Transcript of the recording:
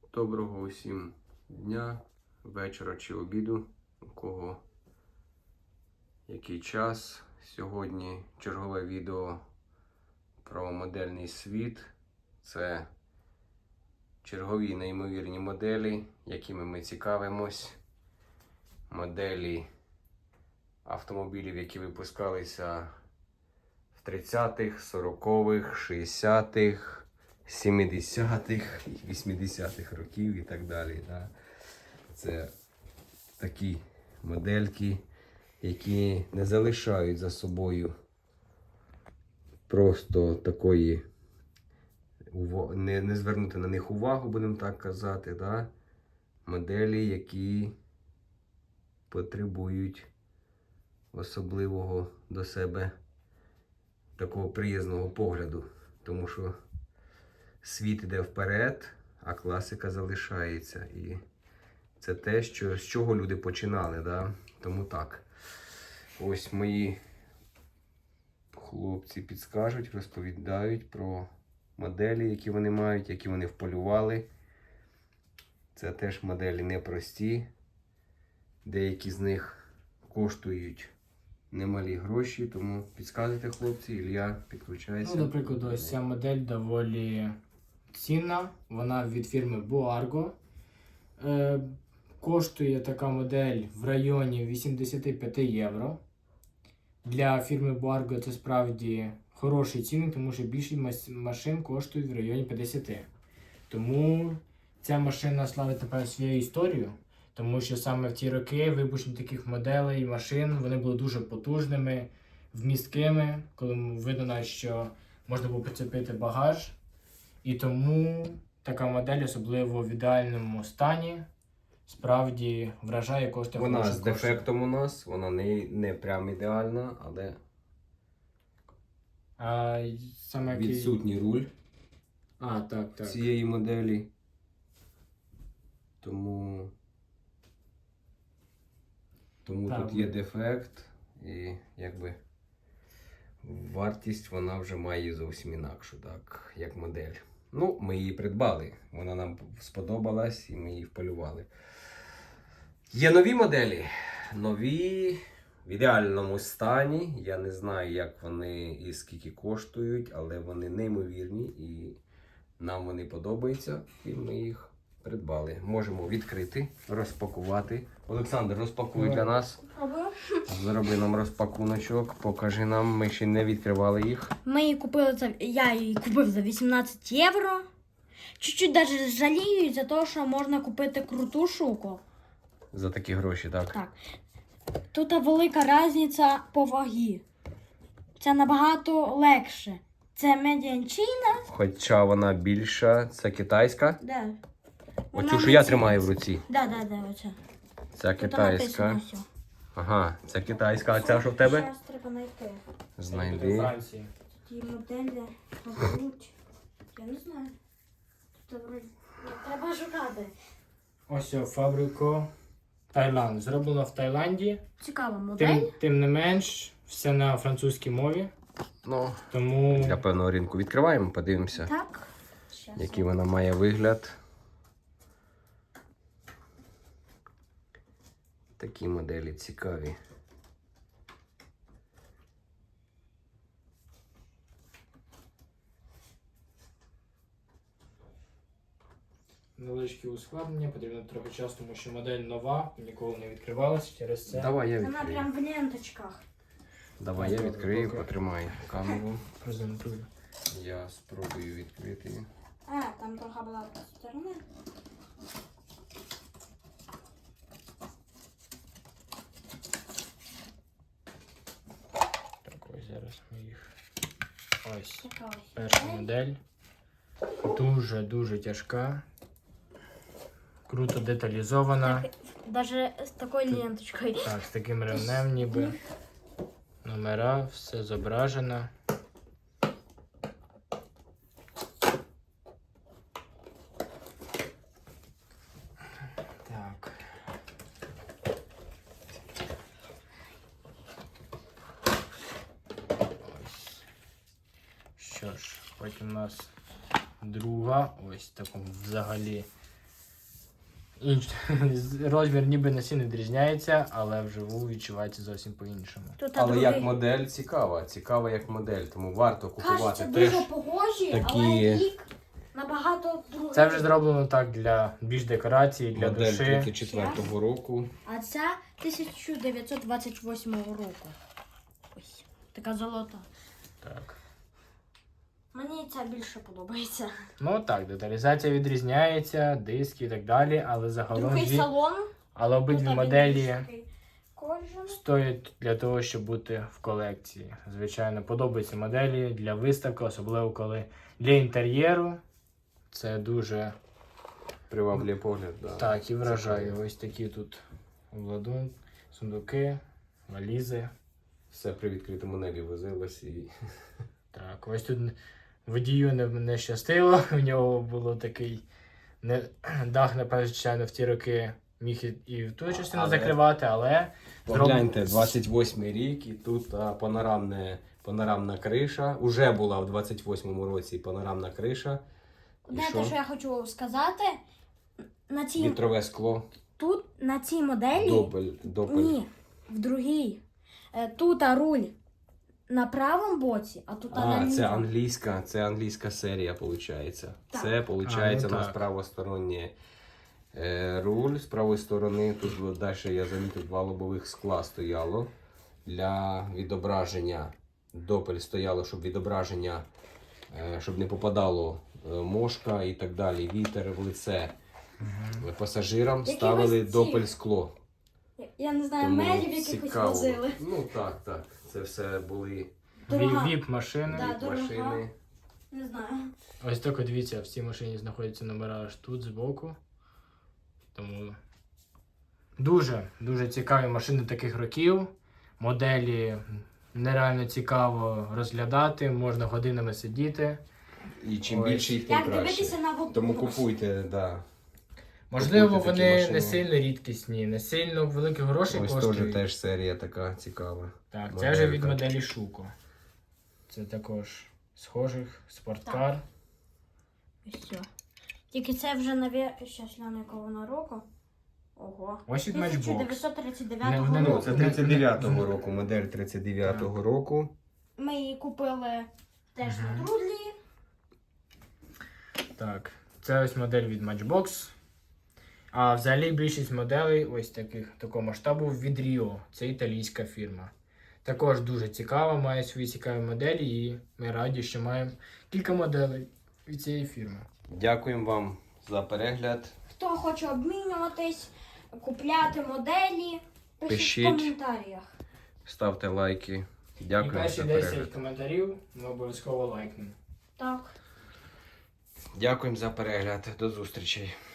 Доброго усім дня, вечора чи обіду, у кого який час. Сьогодні чергове відео про модельний світ. Це чергові неймовірні моделі, якими ми цікавимось. Моделі автомобілів, які випускалися в 30-х, 40-х, 60-х, 70-х, 80-х років і так далі. Це такі модельки, які не залишають за собою просто такої, не звернути на них увагу, будемо так казати. Моделі, які потребують особливого до себе такого приязного погляду, тому що світ іде вперед, а класика залишається. І це те, з чого люди починали. Тому так. Ось мої хлопці підскажуть, розповідають про моделі, які вони мають, які вони вполювали. Це теж моделі непрості. Деякі з них коштують немалі гроші, тому підказуйте, хлопці, Ілля, підключайся. Наприклад, ось ця модель доволі цінна. Вона від фірми Boargo. Коштує така модель в районі 85 євро. Для фірми Boargo це справді хороший цінник, тому що більшість машин коштують в районі 50. Тому ця машина славить, напевно, свою історію. Тому що саме в ті роки випущення таких моделей, машин, вони були дуже потужними, вмісткими, коли видно, що можна було прицепити багаж. І тому така модель, особливо в ідеальному стані, справді вражає, коштує. Вона з дефектом у нас, вона не прям ідеальна, але саме відсутній руль так. цієї моделі. Тому тут є дефект, і якби вартість вона вже має зовсім інакшу, так, як модель. Ну, ми її придбали, вона нам сподобалась і ми її вполювали. Є нові моделі, нові, в ідеальному стані. Я не знаю, як вони і скільки коштують, але вони неймовірні і нам вони подобаються, і ми їх придбали. Можемо відкрити, розпакувати. Олександр, розпакуй для нас. Зроби нам розпакуночок, покажи нам, ми ще не відкривали їх. Я її купив за 18 євро. Чуть-чуть навіть жалію за те, що можна купити круту штуку. За такі гроші, так? Так. Тут велика різниця по вагі. Це набагато легше. Це медіанчина. Хоча вона більша, це китайська. Да. Оцю, що я тримаю в руці. Да, оця. Це китайська. Ага, це китайська. А ця що в тебе? Зараз треба знайти. Знайди. Франції. Ті моделі мабуть. Я не знаю. Треба шукати. Ось фабрику Таїланд. Зроблено в Таїланді. Цікава модель. Тим не менш, все на французькій мові. Ну, тому для певного ринку відкриваємо, подивимося, так. який вона має вигляд. Такі моделі цікаві. невеличкі ускладнення, потрібно трохи часу, тому що модель нова, ніколи не відкривалася через це. Давай я Вона відкрию. прям в ленточках. Давай я відкрию, потримай камеру. Презентую. Я спробую відкрити. Там трохи була з сторони. Так, ось зараз ми їх. Ось Така ось. перша модель. Дуже тяжка. Круто деталізована. Даже з такою ленточкою. Так, з таким ремнем ніби. Номера, все зображено. Так. Ось. Що ж, потім у нас друга, ось в такому взагалі Розмір ніби на сильно відрізняється, але вживу відчувається зовсім по-іншому. Тут Але другий. як модель цікава, цікава як модель, тому варто купувати Кажеться, теж. дуже похожі, такі- але рік набагато другий. Це вже зроблено так для більш декорації, для Модель душі. 34-го року. А ця 1928 року. Ось, така золота. Так. Мені ця більше подобається. Ну так, деталізація відрізняється, диски і так далі, але загалом Другий салон. але обидві Тут моделі більш такий кожен. стоять для того, щоб бути в колекції. Звичайно, подобаються моделі для виставки, особливо коли для інтер'єру. Це дуже Приваблює погляд, да. так і вражає. Ось такі тут обладунки, сундуки, валізи. Все при відкритому небі возилось і. Так, ось тут водію не щастило, у нього було такий дах, напевно, звичайно, в ті роки міг і в ту частину Але- закривати, але Погляньте, 28-й рік, і тут панорамна криша. Уже була в 28-му році панорамна криша. І Знаєте, що я хочу сказати? На цій, Вітрове скло. тут, на цій моделі, Допель. ні, в другій. Тут руль на правому боці, а тут на А, лівому. це англійська серія, виходить. Так. Це, виходить, А, ну у нас так. правостороннє руль з правої сторони. Тут далі я замітив 2 лобових скла стояло для відображення. Допель стояло, щоб відображення, щоб не попадало мошка і так далі, вітер в лице. Пасажирам Якихось ставили ці- допель скло. Я не знаю, Тому мерів якихось цікаво. возили. Ну так. Це все були Дорога. віп-машини. Да. дорога. машини. Не знаю. Ось тільки дивіться, в цій машині знаходяться номера аж тут збоку. Тому дуже цікаві машини таких років. Моделі нереально цікаво розглядати, можна годинами сидіти. І чим Ось. більше їх, тим Як краще. дивитися на воду. Тому купуйте, да. Можливо, Купуйте такі вони машини. не сильно рідкісні, не сильно великих грошей Ось коштують. теж серія така цікава. Так, це вже від моделька. моделі Шуко. Це також схожих спорткар. Ось все. Тільки це вже щас гляну, якого вона року. Ого. Ось від Matchbox. 1939 Не- не- Ну, року. це 39-го року, модель 39-го року. Ми її купили теж Мгм. на Трудлі. Так, це ось модель від Matchbox. А взагалі більшість моделей ось такого масштабу від Rio. Це італійська фірма. Також дуже цікава, має свої цікаві моделі, і ми раді, що маємо кілька моделей від цієї фірми. Дякуємо вам за перегляд. Хто хоче обмінюватись, купляти моделі, пишіть Пишіть. в коментарях. Ставте лайки. І Дякуємо перші за 10 перегляд. коментарів ми обов'язково лайкнемо. Так. Дякуємо за перегляд. До зустрічей.